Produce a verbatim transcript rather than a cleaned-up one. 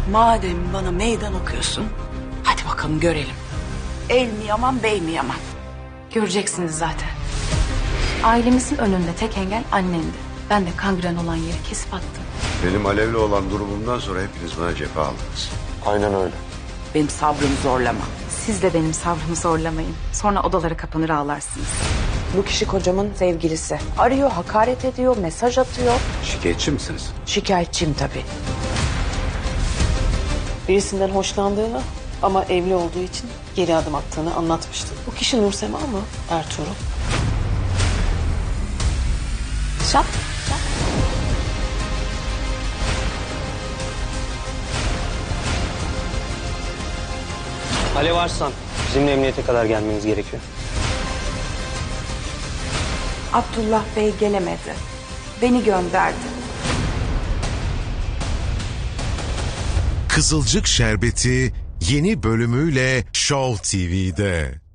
Madem bana meydan okuyorsun, hadi bakalım görelim. El mi yaman, bey mi yaman? Göreceksiniz zaten. Ailemizin önünde tek engel annendi. Ben de kangren olan yeri kesip attım. Benim Alev'le olan durumumdan sonra hepiniz bana cephe aldınız. Aynen öyle. Benim sabrımı zorlama. Siz de benim sabrımı zorlamayın. Sonra odalara kapanır ağlarsınız. Bu kişi kocamın sevgilisi. Arıyor, hakaret ediyor, mesaj atıyor. Şikayetçi misiniz? Şikayetçiyim tabii. Birisinden hoşlandığını ama evli olduğu için geri adım attığını anlatmıştı. Bu kişi Nursema mı? Ertuğrul. Şap. Alev Arslan, bizimle emniyete kadar gelmeniz gerekiyor. Abdullah Bey gelemedi. Beni gönderdi. Kızılcık Şerbeti yeni bölümüyle Show T V'de.